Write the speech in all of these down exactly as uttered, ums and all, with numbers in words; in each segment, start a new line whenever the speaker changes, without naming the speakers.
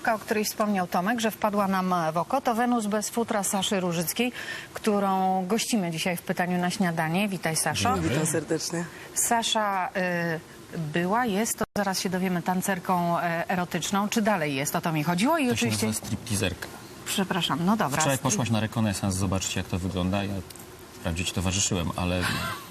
tancerka, o której wspomniał Tomek, że wpadła nam w oko, to Wenus bez futra Saszy Różyckiej, którą gościmy dzisiaj w Pytaniu na śniadanie. Witaj, Saszo.
Witam serdecznie.
Sasza y, była, jest, to zaraz się dowiemy, tancerką y, erotyczną. Czy dalej jest? O to mi chodziło i
To
oczywiście...
się nazywa stripteaserka.
Przepraszam, no dobra.
Wczoraj poszłaś na rekonesans zobaczyć, jak to wygląda. Ja wprawdzie ci towarzyszyłem, ale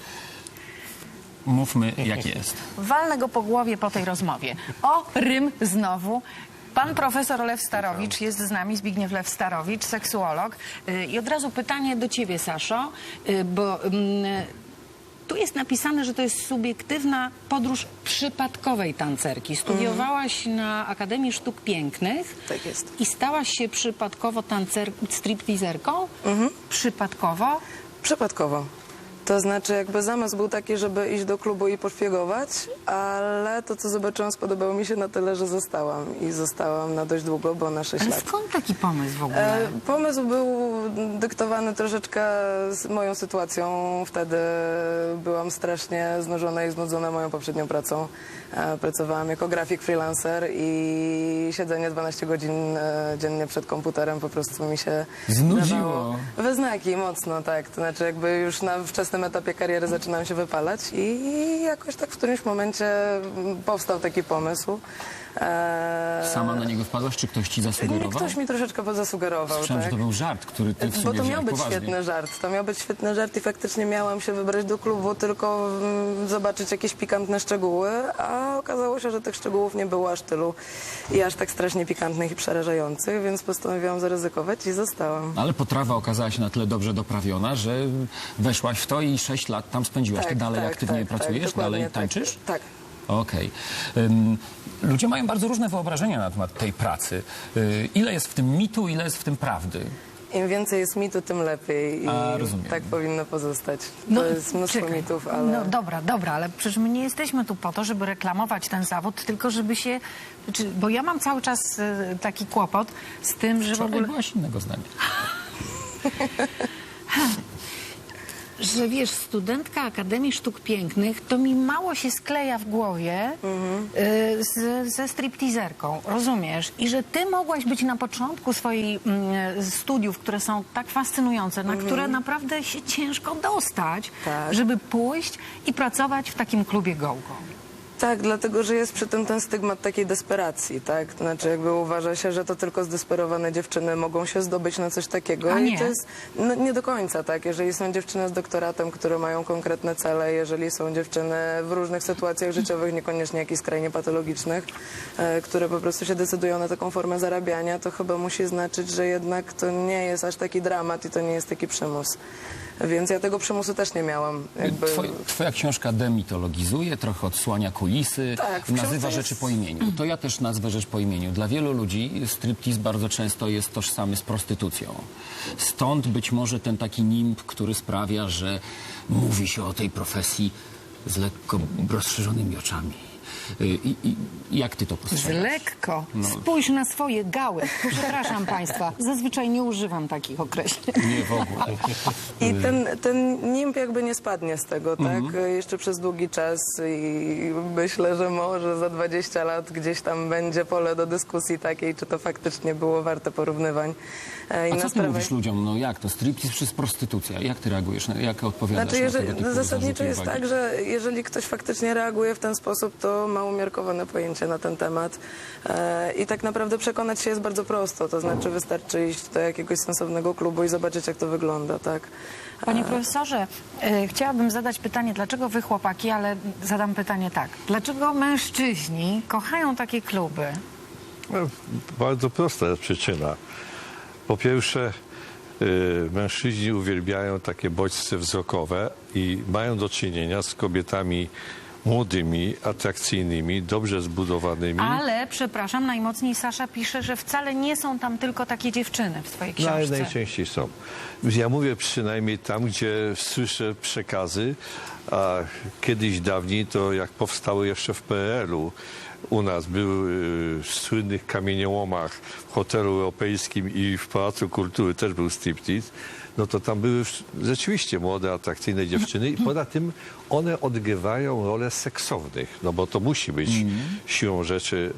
mówmy, jak jest.
Walnę go po głowie po tej rozmowie. O, rym znowu. Pan profesor Lew Starowicz jest z nami, Zbigniew Lew Starowicz, seksuolog. Y, I od razu pytanie do ciebie, Saszo, y, bo y, tu jest napisane, że to jest subiektywna podróż przypadkowej tancerki. Studiowałaś mm. na Akademii Sztuk Pięknych.
Tak jest.
I stałaś się przypadkowo tancer... stripteaserką? Mm-hmm. Przypadkowo?
Przypadkowo. To znaczy jakby zamysł był taki, żeby iść do klubu i poszpiegować, ale to, co zobaczyłam, spodobało mi się na tyle, że zostałam. I zostałam na dość długo, bo na sześć
Ale
lat.
skąd taki pomysł w ogóle?
E, pomysł był dyktowany troszeczkę z moją sytuacją. Wtedy byłam strasznie znużona i znudzona moją poprzednią pracą. E, pracowałam jako grafik freelancer i siedzenie dwanaście godzin e, dziennie przed komputerem po prostu mi się
Znudziło.
we znaki mocno, tak. To znaczy jakby już na wczesnym etapie kariery zaczynałam się wypalać i jakoś tak w którymś momencie powstał taki pomysł. Eee...
Sama na niego wpadłaś, czy ktoś ci zasugerował?
Ktoś mi troszeczkę zasugerował,
Słyszałem,
tak?
że to był żart, który ty w sumie
Bo to miał
wziąłeś
być
poważnie.
świetny żart. To miał być świetny żart i faktycznie miałam się wybrać do klubu tylko mm, zobaczyć jakieś pikantne szczegóły, a okazało się, że tych szczegółów nie było aż tylu i aż tak strasznie pikantnych i przerażających, więc postanowiłam zaryzykować i zostałam.
Ale potrawa okazała się na tyle dobrze doprawiona, że weszłaś w to i sześć lat tam spędziłaś. Ty dalej
tak,
aktywnie
tak,
pracujesz?
tak, dokładnie
dalej tańczysz?
Tak. tak.
Okej. Okay. Ludzie mają bardzo różne wyobrażenia na temat tej pracy. Y, ile jest w tym mitu, ile jest w tym prawdy?
Im więcej jest mitu, tym lepiej i
A, rozumiem.
tak powinno pozostać. To
No,
jest mnóstwo
czekaj.
mitów, ale...
No dobra, dobra, ale przecież my nie jesteśmy tu po to, żeby reklamować ten zawód, tylko żeby się... Znaczy, bo ja mam cały czas e, taki kłopot z tym, że w
Wczoraj
ogóle...
byłaś innego zdania.
Że wiesz, studentka Akademii Sztuk Pięknych, to mi mało się skleja w głowie y, z, ze stripteaserką, rozumiesz? I że ty mogłaś być na początku swoich y, studiów, które są tak fascynujące, na które naprawdę się ciężko dostać,
Tak.
żeby pójść i pracować w takim klubie go-go.
Tak, dlatego, że jest przy tym ten stygmat takiej desperacji, tak? To znaczy jakby uważa się, że to tylko zdesperowane dziewczyny mogą się zdobyć na coś takiego.
A
I
nie.
to jest no, nie do końca, tak? Jeżeli są dziewczyny z doktoratem, które mają konkretne cele, jeżeli są dziewczyny w różnych sytuacjach życiowych, niekoniecznie jakichś skrajnie patologicznych, e, które po prostu się decydują na taką formę zarabiania, to chyba musi znaczyć, że jednak to nie jest aż taki dramat i to nie jest taki przymus. Więc ja tego przymusu też nie miałam. Jakby...
Twoj, twoja książka demitologizuje, trochę odsłania kulisy,
Tak, w
nazywa
książce
rzeczy
jest-
po imieniu. To ja też nazwę rzecz po imieniu. Dla wielu ludzi striptease bardzo często jest tożsamy z prostytucją. Stąd być może ten taki nimb, który sprawia, że mówi się o tej profesji z lekko rozszerzonymi oczami. I, i, jak ty to
Z
postrzegasz?
lekko. Spójrz na swoje gały. Przepraszam państwa, zazwyczaj nie używam takich określeń.
Nie w ogóle.
I ten, ten nimb jakby nie spadnie z tego, tak? Jeszcze przez długi czas i myślę, że może za dwadzieścia lat gdzieś tam będzie pole do dyskusji takiej, czy to faktycznie było warte porównywań. E, I
A
na
co ty
sprawę-
mówisz ludziom? No jak to? Striptease czy prostytucja? Jak ty reagujesz? Na- Jak odpowiadasz
Znaczy,
na tego
jeżeli,
typu
zasadniczo
zarzuty i
jest
uwagi?
tak, że jeżeli ktoś faktycznie reaguje w ten sposób, to ma umiarkowane pojęcie na ten temat. E, I tak naprawdę przekonać się jest bardzo prosto. To znaczy wystarczy iść do jakiegoś sensownego klubu i zobaczyć, jak to wygląda, tak?
Panie profesorze, e, chciałabym zadać pytanie, dlaczego wy chłopaki, ale zadam pytanie tak. Dlaczego mężczyźni kochają takie kluby?
No, bardzo prosta jest przyczyna. Po pierwsze, y, mężczyźni uwielbiają takie bodźce wzrokowe i mają do czynienia z kobietami młodymi, atrakcyjnymi, dobrze zbudowanymi.
Ale, przepraszam, najmocniej Sasza pisze, że wcale nie są tam tylko takie dziewczyny w swojej
No, ale
książce.
najczęściej są. Ja mówię przynajmniej tam, gdzie słyszę przekazy, a kiedyś dawniej to jak powstały jeszcze w P R L u u nas był y, w słynnych kamieniołomach w hotelu europejskim i w Pałacu Kultury też był striptease, no to tam były rzeczywiście młode, atrakcyjne dziewczyny i poza tym one odgrywają rolę seksownych, no bo to musi być siłą rzeczy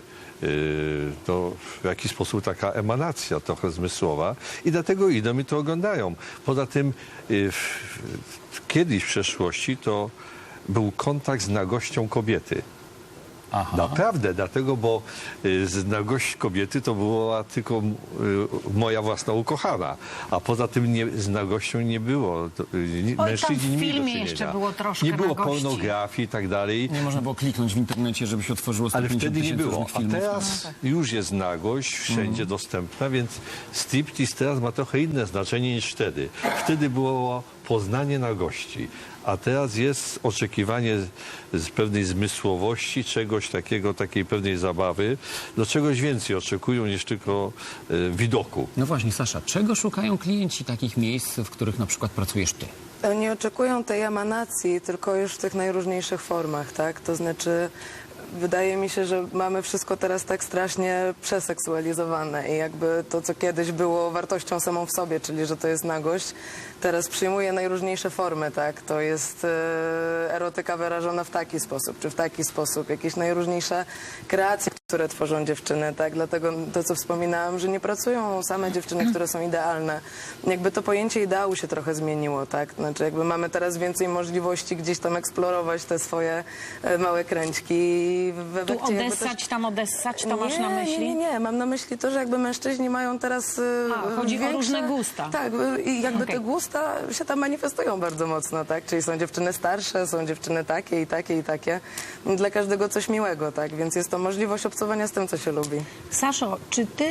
yy, no, w jakiś sposób taka emanacja trochę zmysłowa i dlatego idą i to oglądają. Poza tym yy, w, kiedyś w przeszłości to był kontakt z nagością kobiety.
Aha.
Naprawdę, dlatego, bo y, z nagość kobiety to była tylko y, moja własna ukochana, a poza tym nie, z nagością nie było. To, y,
tam
mężczyźni
w
nie mieli do
filmie
czynienia.
jeszcze było troszkę
Nie było
nagości.
pornografii i tak dalej.
Nie można było kliknąć w internecie, żeby się otworzyło sto
Ale
pięćdziesiąt
wtedy nie
tysięcy
było,
różnych
a
filmów.
teraz już jest nagość wszędzie dostępna, więc striptease teraz ma trochę inne znaczenie niż wtedy. Wtedy było poznanie nagości, a teraz jest oczekiwanie z pewnej zmysłowości, czegoś takiego, takiej pewnej zabawy, do czegoś więcej oczekują niż tylko e, widoku.
No właśnie, Sasza, czego szukają klienci takich miejsc, w których na przykład pracujesz ty?
Oni oczekują tej emanacji, tylko już w tych najróżniejszych formach, tak? To znaczy, wydaje mi się, że mamy wszystko teraz tak strasznie przeseksualizowane i jakby to, co kiedyś było wartością samą w sobie, czyli że to jest nagość, teraz przyjmuje najróżniejsze formy, tak? To jest e, erotyka wyrażona w taki sposób, czy w taki sposób, jakieś najróżniejsze kreacje, które tworzą dziewczyny, tak? Dlatego to, co wspominałam, że nie pracują same dziewczyny, które są idealne. Jakby to pojęcie ideału się trochę zmieniło, tak? Znaczy jakby mamy teraz więcej możliwości gdzieś tam eksplorować te swoje e, małe kręćki. I w
Tu
efekcie jakby
odessać,
też...
tam odessać, to masz
nie,
na myśli?
Nie, nie, nie. Mam na myśli to, że jakby mężczyźni mają teraz e,
A, chodzi o
większe...
różne gusta.
Tak, i jakby
Okej.
te gusta się tam manifestują bardzo mocno, tak? Czyli są dziewczyny starsze, są dziewczyny takie i takie i takie. Dla każdego coś miłego, tak? Więc jest to możliwość obcowania z tym, co się lubi.
Saszo, czy ty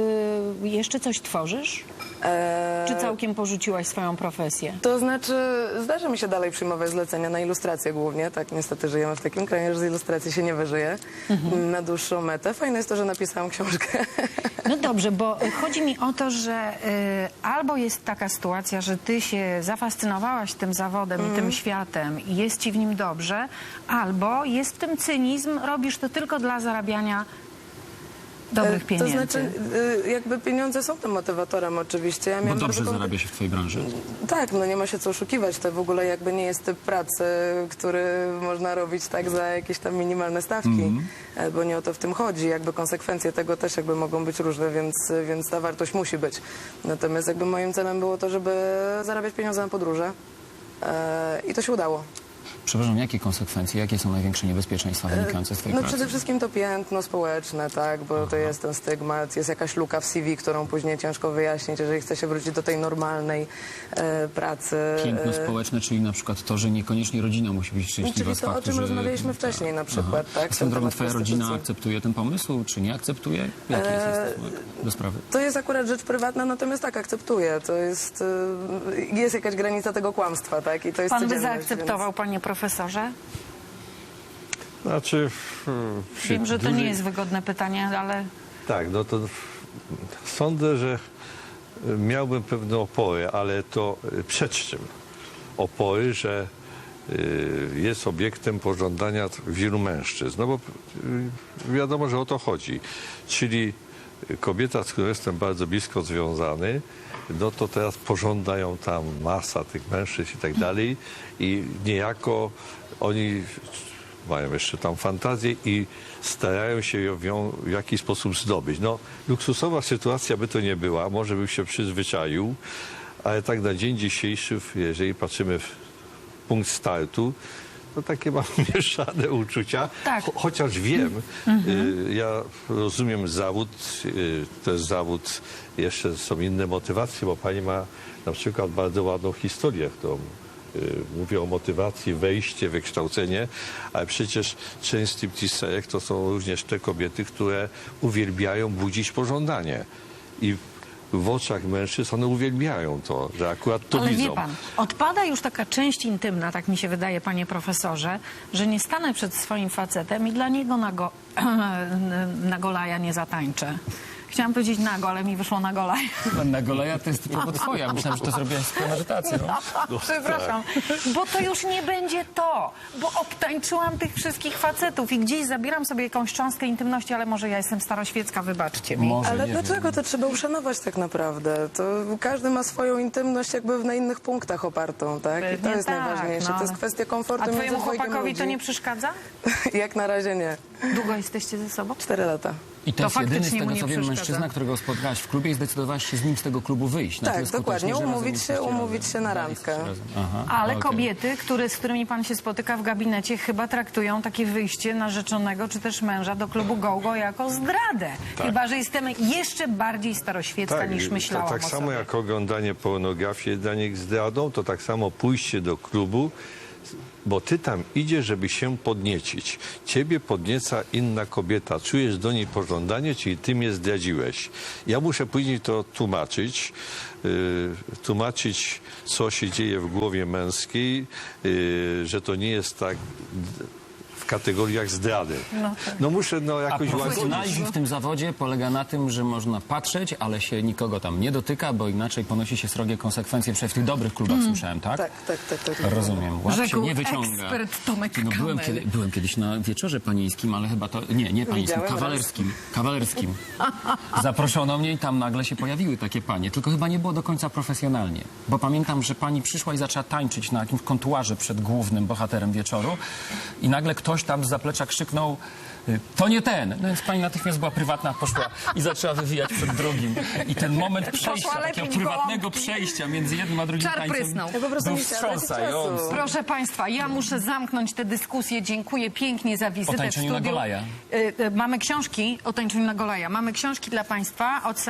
y, jeszcze coś tworzysz?
Eee,
Czy całkiem porzuciłaś swoją profesję?
To znaczy, zdarza mi się dalej przyjmować zlecenia na ilustrację głównie. Tak, niestety żyjemy w takim kraju, że z ilustracji się nie wyżyje na dłuższą metę. Fajne jest to, że napisałam książkę.
No dobrze, bo chodzi mi o to, że y, albo jest taka sytuacja, że ty się zafascynowałaś tym zawodem i tym światem i jest ci w nim dobrze, albo jest w tym cynizm, robisz to tylko dla zarabiania dobrych pieniędzy.
To znaczy, y, jakby pieniądze są tym motywatorem oczywiście. Ja
Bo
miałam
dobrze
bardzo
zarabia się w twojej branży.
Tak, no nie ma się co oszukiwać. To w ogóle jakby nie jest typ pracy, który można robić tak za jakieś tam minimalne stawki, e, bo nie o to w tym chodzi. Jakby konsekwencje tego też jakby mogą być różne, więc, więc ta wartość musi być. Natomiast jakby moim celem było to, żeby zarabiać pieniądze na podróże e, i to się udało.
Przepraszam, jakie konsekwencje, jakie są największe niebezpieczeństwa wynikające z twojej
No
pracy?
przede wszystkim to piętno społeczne, tak, bo to jest ten stygmat, jest jakaś luka w C V, którą później ciężko wyjaśnić, jeżeli chce się wrócić do tej normalnej e, pracy.
Piętno
E,
społeczne, czyli na przykład to, że niekoniecznie rodzina musi być szczęśliwa
Czyli
z
to, o
faktu,
czym
że...
rozmawialiśmy wcześniej na przykład,
Aha.
tak?
A swoją
ten
drogą,
temat
twoja rodzina
prostytucji.
akceptuje ten pomysł, czy nie akceptuje? Jaki jest
Eee,
jej stosunek do sprawy?
To jest akurat rzecz prywatna, natomiast tak, akceptuję. To jest, e, jest jakaś granica tego kłamstwa, tak? I to jest
Pan by
codzienność,
zaakceptował, panie profesorze?
Znaczy, w- przy
Wiem, że to
dużej-
nie jest wygodne pytanie, ale
Tak, no to sądzę, że miałbym pewne opory, ale to przed czym? Opory, że y, jest obiektem pożądania wielu mężczyzn. No bo y, wiadomo, że o to chodzi. Czyli kobieta, z którą jestem bardzo blisko związany, no to teraz pożąda ją tam masa tych mężczyzn i tak dalej i niejako oni mają jeszcze tam fantazję i starają się ją w jakiś sposób zdobyć. No, luksusowa sytuacja by to nie była, może bym się przyzwyczaił, ale tak na dzień dzisiejszy, jeżeli patrzymy w punkt startu, to takie mam mieszane uczucia,
Tak.
Cho- chociaż wiem, y, ja rozumiem zawód, y, to jest zawód, jeszcze są inne motywacje, bo pani ma na przykład bardzo ładną historię, którą y, mówię o motywacji, wejście, wykształcenie, ale przecież część stripteaserek to są również te kobiety, które uwielbiają budzić pożądanie i w oczach mężczyzn one uwielbiają to, że akurat to
Ale
widzą.
wie pan, odpada już taka część intymna, tak mi się wydaje, panie profesorze, że nie stanę przed swoim facetem i dla niego na, go, na golaja nie zatańczę. Chciałam powiedzieć nago, ale mi wyszło na gola.
Na Goleja to jest typowo twoja. Myślałem, że to zrobiłaś z premedytacją.
Przepraszam, bo to już nie będzie to, bo obtańczyłam tych wszystkich facetów i gdzieś zabieram sobie jakąś cząstkę intymności, ale może ja jestem staroświecka, wybaczcie mi.
Może,
Ale
nie
dlaczego?
wiem.
To trzeba uszanować tak naprawdę. To każdy ma swoją intymność jakby na innych punktach opartą, tak? I to
Pewnie
jest
tak,
najważniejsze.
no,
To jest
ale-
kwestia komfortu
A
między
twojemu
dwojgiem
chłopakowi
ludzi.
to nie przeszkadza?
Jak na razie nie.
Długo jesteście ze sobą?
Cztery lata.
I to,
To
jest jedyny z
faktycznie mu
tego,
nie
co wiem,
przeszkadza.
mężczyzna, którego spotkałaś w klubie i zdecydowałaś się z nim z tego klubu wyjść. Na
Tak,
tyle skutecznie,
dokładnie.
że razem
Umówić się-
jesteście
umówić
razem.
się na
Dalej jesteście
randkę.
razem. Aha,
Ale
okej.
kobiety, które, z którymi pan się spotyka w gabinecie, chyba traktują takie wyjście narzeczonego czy też męża do klubu Go-Go jako zdradę. Chyba że jestem jeszcze bardziej staroświecka niż
to
myślałam
tak
o
samo
sobie.
jak oglądanie pornografii jest dla nich zdradą, to tak samo pójście do klubu, bo ty tam idziesz, żeby się podniecić. Ciebie podnieca inna kobieta. Czujesz do niej pożądanie, czyli ty mnie zdradziłeś. Ja muszę później to tłumaczyć, yy, tłumaczyć, co się dzieje w głowie męskiej, yy, że to nie jest tak w kategoriach zdrady. No muszę no,
A
jakoś łagodzić.
profesjonalizm w tym zawodzie polega na tym, że można patrzeć, ale się nikogo tam nie dotyka, bo inaczej ponosi się srogie konsekwencje, przynajmniej w tych dobrych klubach słyszałem, tak?
Tak, tak, tak. tak.
Rozumiem. Łap się
Rzekł
nie wyciąga.
ekspert Tomek
No, byłem,
Kamel.
kiedy, byłem kiedyś na wieczorze panieńskim, ale chyba to... Nie, nie panieńskim,
Widziałem
kawalerskim. Kawalerskim. Zaproszono mnie i tam nagle się pojawiły takie panie. Tylko chyba nie było do końca profesjonalnie. Bo pamiętam, że pani przyszła i zaczęła tańczyć na jakimś kontuarze przed głównym bohaterem wieczoru i nagle ktoś tam z zaplecza krzyknął: to nie ten. No więc pani natychmiast była prywatna, poszła i zaczęła wywijać przed drugim. I ten moment przejścia,
lepić
takiego prywatnego
gołąbki.
przejścia między jednym a drugim
Czar
tańcem
prysnął.
Ja po prostu
był
nie chciałam tracić
wstrząsający.
czasu.
Proszę Państwa, ja muszę zamknąć tę dyskusję. Dziękuję pięknie za wizytę
O tańczeniu
w
na
studiu.
Golaja.
Y, y, Mamy książki o tańczeniu na Golaja. Mamy książki dla Państwa od